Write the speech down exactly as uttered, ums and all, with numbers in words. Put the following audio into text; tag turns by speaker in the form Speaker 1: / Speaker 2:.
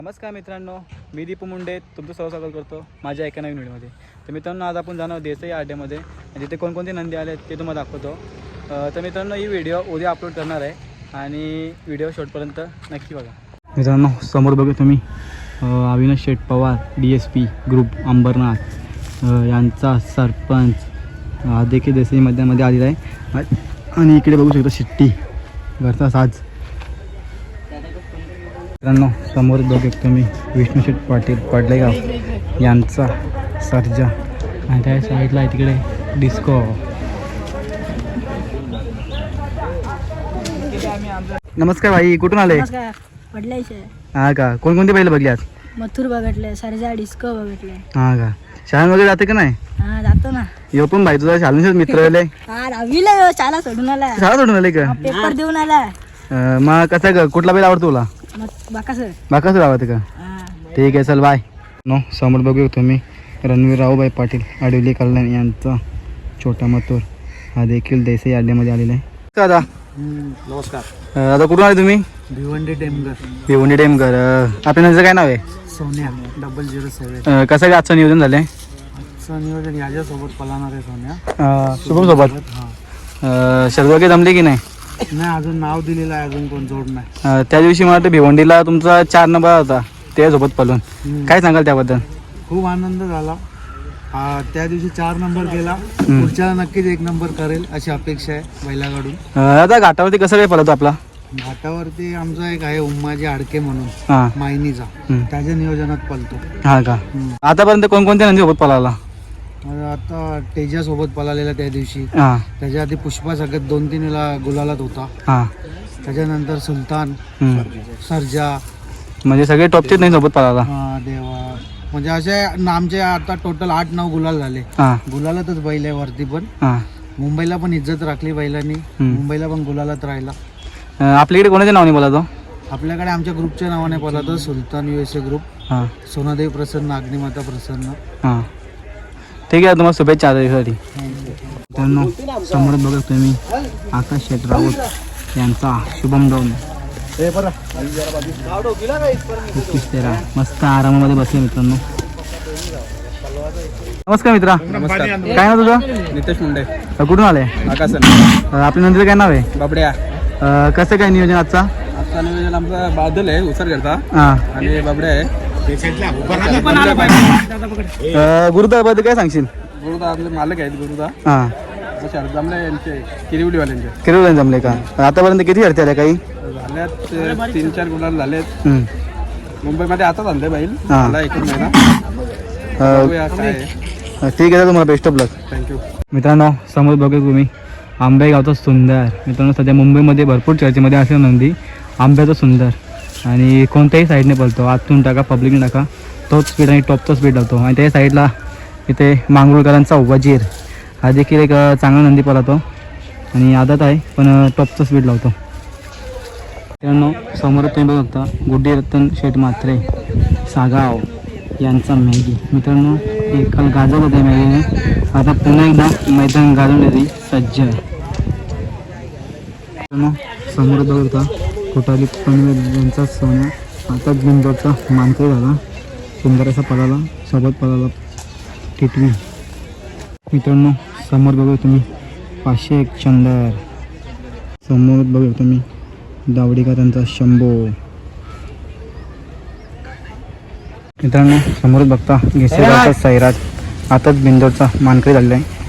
Speaker 1: नमस्कार मित्रांनो, मी दीपू मुंडे तुमचं सर्व स्वागत करतो माझ्या एका नवीन व्हिडिओमध्ये. तर मित्रांनो, आज आपण जाणार देसाई आड्यामध्ये आणि तिथे कोणकोणते नंदी आले आहेत ते तुम्हाला दाखवतो. तर मित्रांनो, ही व्हिडिओ उद्या अपलोड करणार आहे आणि व्हिडिओ शेवटपर्यंत नक्की बघा. मित्रांनो, समोर बघा तुम्ही Avinash Sheth Pawar D S P group Ambernath यांचा सरपंच हा देखील देसाई मैदानामध्ये आलेला आहे. आणि इकडे बघू शकता शिट्टी घरचा साज. मित्रांनो, समोर बघू तुम्ही विष्णू शेठ पाटील पाडलेगाव यांचा सर्जा आणि त्या साईडला आहे तिकडे डिस्को. नमस्कार भाई, कुठून आले? हा का, कोणकोणते बैल बघले आज?
Speaker 2: मथुर बघितले, सर्जा, डिस्को बघितले.
Speaker 1: हा का, शाळा वगैरे जाते का नाही?
Speaker 2: हा जातो ना.
Speaker 1: यो पण भाई तुझा शाळेचे मित्र आले.
Speaker 2: हा दहावीला यो, शाळा सोडून आला.
Speaker 1: शाळा सोडून आले का?
Speaker 2: पेपर देऊन आला.
Speaker 1: मग कसं का, कुठला बैल आवडतो तुला?
Speaker 2: बाकासर.
Speaker 1: बाकासर आवडते का? ठीक आहे, चल बाय. नो, समोर बघू तुम्ही रणवीर रावबाई पाटील आडिवली कल्याण यांचा छोटा मथुर हा देखील देसाई अड्ड्यामध्ये आलेला आहे. दादा
Speaker 3: नमस्कार.
Speaker 1: दादा कुठून आले तुम्ही?
Speaker 3: भिवंडी टेमगर.
Speaker 1: भिवंडी टेमकर. आपल्या नंतर काय नाव आहे?
Speaker 3: सोन्या डबल झिरो सेवन.
Speaker 1: कसं काय आजचं नियोजन झालं आहे?
Speaker 3: आजचं नियोजन याच्यासोबत पळणार आहे सोन्या.
Speaker 1: शुभम सोबत.
Speaker 3: हां,
Speaker 1: शर्द वगैरे जमले की नाही?
Speaker 3: नाही, अजून नाव दिलेलं आहे, अजून कोण जोड नाही.
Speaker 1: त्या दिवशी मला वाटतं भिवंडीला तुमचा चार नंबर होता त्यासोबत पळून. काय सांगाल त्याबद्दल?
Speaker 3: खूप आनंद झाला. हा, त्या दिवशी चार नंबर गेला, पुढच्याला नक्कीच एक नंबर करेल अशी अपेक्षा आहे बैलाकडून.
Speaker 1: आता घाटावरती कसं काय पळतो आपला?
Speaker 3: घाटावरती आमचा एक आहे उम्माजी आडके म्हणून
Speaker 1: हां
Speaker 3: मायनीचा, त्याच्या नियोजनात पळतो.
Speaker 1: हा का, आतापर्यंत कोणकोणत्या नंदी सोबत पळाला?
Speaker 3: आता तेजा सोबत पळालेला त्या दिवशी.
Speaker 1: हां
Speaker 3: त्याच्या आधी पुष्पा सगळ्यात दोन तीन वेळा गुलालात होता.
Speaker 1: हां
Speaker 3: त्याच्यानंतर सुलतान, सर्जा,
Speaker 1: म्हणजे सगळे टॉपचेच नाही सोबत पळाला.
Speaker 3: हा देवा, म्हणजे असे आमचे आता टोटल आठ नऊ गुलाल झाले.
Speaker 1: हां
Speaker 3: गुलालातच बैल आहे वरती पण.
Speaker 1: हां
Speaker 3: मुंबईला पण इज्जत राखली बैलांनी, मुंबईला पण गुलालात राहिला.
Speaker 1: आपल्याकडे कोणाच्या नावाने बोलातो?
Speaker 3: आपल्याकडे आमच्या ग्रुपच्या नावाने बोलातो Sultan U S A group.
Speaker 1: हां
Speaker 3: सोनादेवी प्रसन्न, अग्निमाता प्रसन्न.
Speaker 1: हां ठीक आहे, तुम्हाला शुभेच्छा आजसाठी. मित्रांनो, समोर बघा तुम्ही आकाश शेठ राऊत यांचा शुभम डोन एकवीस तेरा मस्त आरामामध्ये बसले. मित्रांनो नमस्कार मित्रा.
Speaker 4: नमस्कार.
Speaker 1: काय नाव तुझं?
Speaker 4: नितेश मुंडे.
Speaker 1: कुठून आले?
Speaker 4: आकाशन.
Speaker 1: आपल्या नंतर काय नाव आहे?
Speaker 4: बाबड्या.
Speaker 1: कसं काय नियोजन आजचा?
Speaker 4: आजचा नियोजन आमचा बादल आहे उसरगडचा
Speaker 1: हां
Speaker 4: आणि बाबड्या आहे.
Speaker 1: गुरुदाबद्दल काय सांगशील?
Speaker 4: गुरुदा आपले मालक आहेत. गुरुदा
Speaker 1: हां
Speaker 4: जमले यांचे किरिवलीवाल्यांचे.
Speaker 1: किती जमले का? आतापर्यंत किती हरते आल्या काही?
Speaker 4: झाल्यात तीन चार गुलाल झालेत.
Speaker 1: हम्म.
Speaker 4: मुंबईमध्ये आता झाले बैल.
Speaker 1: हां.
Speaker 4: मला एक महिना
Speaker 1: अं,
Speaker 4: बघूया काय आहे.
Speaker 1: ठीक आहे, तुम्हाला बेस्ट ऑफ लक.
Speaker 4: थँक्यू.
Speaker 1: मित्रांनो, समोर बघा तुम्ही आंबे गावचा सुंदर. मित्रांनो, सध्या मुंबईमध्ये भरपूर चर्चेमध्ये असे नंदी आंब्याचा सुंदर आणि कोणत्याही साईडने पळतो. आतून टाका, पब्लिकने टाका, तोच स्पीड आणि टॉपचा स्पीड लावतो. आणि त्या साईडला इथे मांगरुळकरांचा वजीर हा देखील एक चांगला नंदी पळतो आणि आदत आहे पण टॉपचा स्पीड लावतो. मित्रांनो, समोर तुम्ही बघता गुड्डी रतन शेठ म्हात्रे सागाव यांचा मॅगी. मित्रांनो, हे काल गाजवलं होतं मॅगीने, आता पुन्हा एकदा मैदान गाजवण्याची सज्ज. मित्रांनो, समोर बघता कोटाली पनवेल यांचा सोन्या आता बिंदोचा मानकरी झाला. सुंदर असा पळाला, सोबत पळाला टिटवी. मित्रांनो, समोर बघू तुम्ही पाचशे एक चंदर. समोर बघू तुम्ही दावडीका त्यांचा शंभो. मित्रांनो, समोर बघता घेसेगावचा सैराज आताच बिंदोरचा मानकरी झालेला आहे.